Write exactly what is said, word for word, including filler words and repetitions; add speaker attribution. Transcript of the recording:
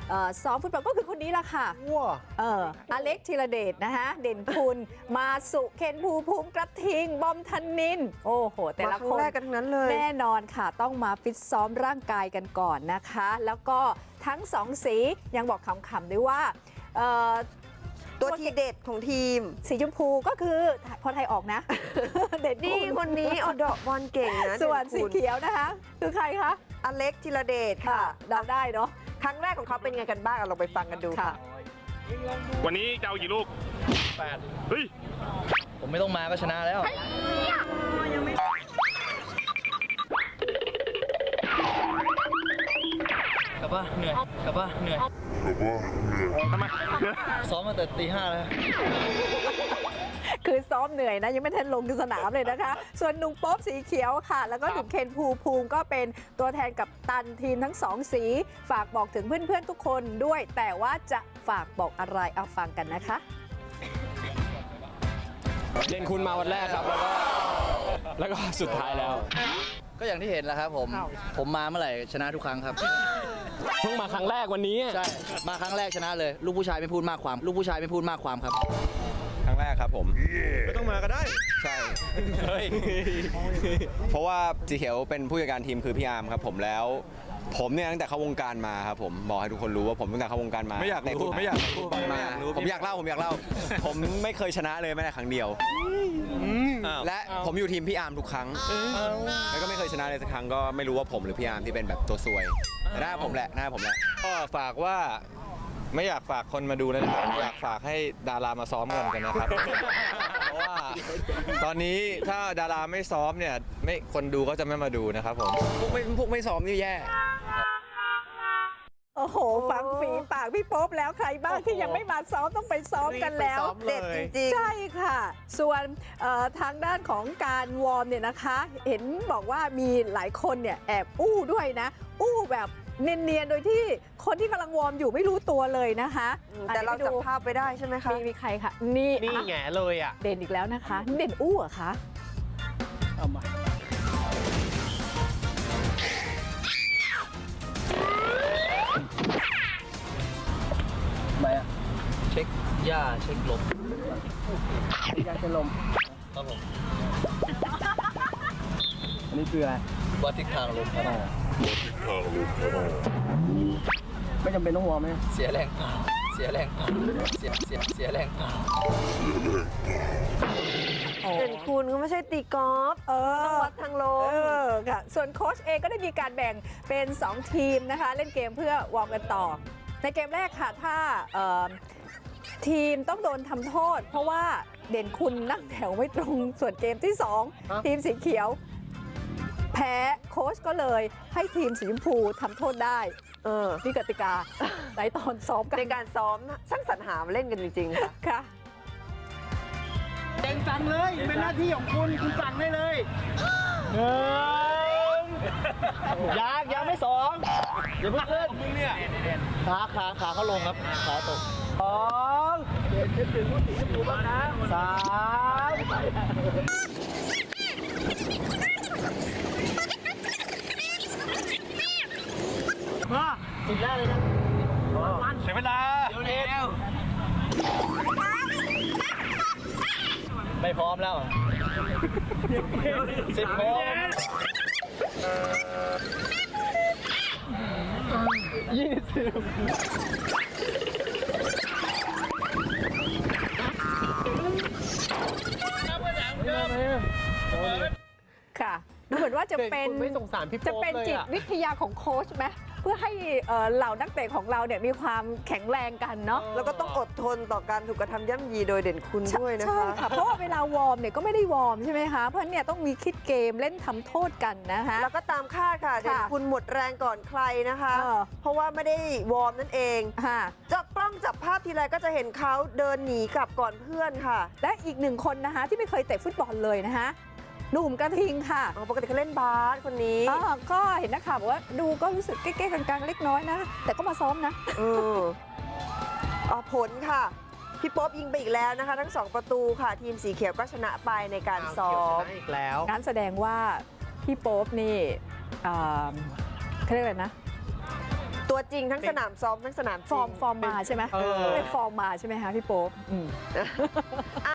Speaker 1: ซ้อมฟุตบอลก็คือคนนี้ละค่ะเอออเล็กธีรเดชนะคะเด่นคุณมาสุเคนภูภูมิกระทิงบอมธนินโอ้โหแต่ละคน
Speaker 2: กันทั้งนั้นเลย
Speaker 1: แน่นอนค่ะต้องมาฟิตซ้อมร่างกายกันก่อนนะคะแล้วก็ทั้งสองสียังบอกขำๆด้วยว่า
Speaker 2: ตัวทีเด็ดของทีม
Speaker 1: สีชมพูก็คือพอไทยออกนะ เด็ด
Speaker 2: นี่คนนี้เอาดอกบอลเก่งนะ
Speaker 1: ส่วนสีเขียวนะคะคือใครคะ
Speaker 2: อเล็กธีรเดชค่ะ
Speaker 1: เดาได้เนาะ
Speaker 2: ครั้งแรกของเขาเป็นไงกันบ้างเราไปฟังกันดูค่ะ
Speaker 3: วันนี้จะเอากี่ลูกแปดเฮ้ย
Speaker 4: ผมไม่ต้องมาก็ชนะแล้วกลับบ้านเหนื่อยกลับบ้านเหนื่อย
Speaker 3: ทำไม
Speaker 4: ซ้อมมาแต่ตีห้าแล้ว
Speaker 1: คือซ้อมเหนื่อยนะยังไม่ทันลงสนามเลยนะคะส่วนหนุ่มโป๊บสีเขียวค่ะแล้วก็หนุ่มเคนภูภูมิก็เป็นตัวแทนกับตันทีมทั้งสองสีฝากบอกถึงเพื่อนๆทุกคนด้วยแต่ว่าจะฝากบอกอะไรเอาฟังกันนะคะ
Speaker 5: เด่นคุณมาวันแรกครับแล้วก็แล้วก็สุดท้ายแล้ว
Speaker 4: ก็อย่างที่เห็นแล้วครับผมผมมาเมื่อไหร่ชนะทุกครั้งครับ
Speaker 5: เพิ่งมาครั้งแรกวันนี้
Speaker 4: ใช่มาครั้งแรกชนะเลยลูกผู้ชายไม่พูดมากความลูกผู้ชายไม่พูดมากความครับ
Speaker 6: ครั้งแรกครับผม
Speaker 3: ไม่ต้องมาก็ได้
Speaker 6: ใช่เพราะว่าสีเขียวเป็นผู้จัดการทีมคือพี่อาร์มครับผมแล้วผมเนี่ยตั้งแต่เข้าวงการมาครับผมบอกให้ทุกคนรู้ว่าผมตั้งแต่เข้าวงการมา
Speaker 3: ไม่อยากรู้ไม่อยากรู้
Speaker 6: มาผมอยากเล่าผมอยากเล่าผมไม่เคยชนะเลยแม้แต่ครั้งเดียวและผมอยู่ทีมพี่อาร์มทุกครั้งแล้วก็ไม่เคยชนะเลยสักครั้งก็ไม่รู้ว่าผมหรือพี่อาร์มที่เป็นแบบตัวซวยแต่หน้าผมแหละหน้าผมแหละ
Speaker 3: ก็ฝากว่าไม่อยากฝากคนมาดูนะครับอยากฝากให้ดารามาซ้อมกันกันนะครับเพราะว่าตอนนี้ถ้าดาราไม่ซ้อมเนี่ยไม่คนดูก็จะไม่มาดูนะครับผม
Speaker 6: พวกไม่พวกไม่ซ้อมนี่แย่
Speaker 1: โอ้โหฟังฝีปากพี่โป๊บแล้วใครบ้างที่ยังไม่มาซ้อมต้องไปซ้อมกันแล้ว
Speaker 2: เด็ดจริง
Speaker 1: ๆใช่ค่ะส่วนทางด้านของการวอร์มเนี่ยนะคะเห็นบอกว่ามีหลายคนเนี่ยแอบอู้ด้วยนะอู้แบบเนียนๆโดยที่คนที่กำลังวอร์มอยู่ไม่รู้ตัวเลยนะคะ
Speaker 2: แต่เราจับภาพไปได้ใช่ไหมคะ
Speaker 1: มีมีใครคะนี่
Speaker 5: นี่แง่เลยอ่ะ
Speaker 1: เด่นอีกแล้วนะคะเด่นอู้เหรอคะเอามา
Speaker 4: ไปอ่ะเช็คหญ้าเช็คลม
Speaker 5: หญ้าเช็คลม
Speaker 4: ครับผม
Speaker 5: อันนี้คืออะไร
Speaker 4: วัดทิศทางลมครับ
Speaker 5: ไม่จำเป็นต้องวอร์มไหม
Speaker 4: เสียแรงเปล่าเสียแรงเปล่าเสียเสียเสียแรงเปล่า
Speaker 2: เด่นคุณก็ไม่ใช่ตีกอล์ฟต้องวัดทางลม
Speaker 1: ค่ะส่วนโค้ชเองก็ได้มีการแบ่งเป็นสองทีมนะคะเล่นเกมเพื่อวอร์มกันต่อในเกมแรกค่ะถ้าทีมต้องโดนทำโทษเพราะว่าเด่นคุณนั่งแถวไม่ตรงส่วนเกมที่สองทีมสีเขียวแพ้โค้ชก็เลยให้ทีมสีชมพูทำโทษได้เออนี่กติกาในตอนซ้อมกัน
Speaker 2: ในการซ้อมช่างสรรหาเล่นกันจริงๆค่ะ
Speaker 1: ค่ะ
Speaker 5: เต็งสั่งเลยเป็นหน้าที่ของคุณคุณสั่งได้เลยหนึ่งยากยังไม่สองอย่าเพิ่งขึ้นมึงเนี่ยขาขาขาเขาลงครับขาตกสองเด็ดถึงผู้สีชมพูบ้างนะสามมาสิบแรกเลยนะ
Speaker 3: เสียเวลา
Speaker 5: เร็วไม่พร้อมแล้วสิบโมงยี่สิบ
Speaker 1: ค่ะดูเหมือนว่าจะเป็นจะเป็นจิตวิทยาของโค้ชไหมเพื่อให้เหล่านักเตะของเราเนี่ยมีความแข็งแรงกันเนาะ
Speaker 2: แล้วก็ต้องอดทนต่อการถูกกระทำย่ำยีโดยเด่นคุณด้วยนะคะ
Speaker 1: ใช่ค่ะเพราะว่าเวลาวอร์มเนี่ยก็ไม่ได้วอร์มใช่ไหมคะเพราะเนี่ยต้องมีคิดเกมเล่นทำโทษกันนะคะ
Speaker 2: แล้วก็ตามคาดค่ะเด่นคุณหมดแรงก่อนใครนะคะเพราะว่าไม่ได้วอร์มนั่นเองจับกล้องจับภาพทีไรก็จะเห็นเขาเดินหนีกลับก่อนเพื่อนค่ะ
Speaker 1: และอีกหนึ่งคนนะคะที่ไม่เคยเตะฟุตบอลเลยนะคะหนุ่มกระทิงค่ะ
Speaker 2: ปกติเขาเล่นบาสคนนี้
Speaker 1: ก็เห็นนะคะบอกว่าดูก็รู้สึกเก๊ๆกลางๆเล็กน้อยนะแต่ก็มาซ้อมนะ
Speaker 2: เออผลค่ะพี่โป๊บยิงไปอีกแล้วนะคะทั้งสองประตูค่ะทีมสีเขียวก็ชนะไปในการซ้อม
Speaker 5: อีกแล้ว
Speaker 1: งั้นแสดงว่าพี่โป๊บนี่เขาเรียกอะไรนะ
Speaker 2: ตัวตัวจริงทั้งสนามซ้อมทั้งสนามจ
Speaker 1: ฟ
Speaker 2: ริ
Speaker 1: อง ร์มฟอร์มมาใช่ไหม
Speaker 5: เออ
Speaker 1: เรียกฟอร์มมาใช่ไหมคะพี่โป๊ปอืม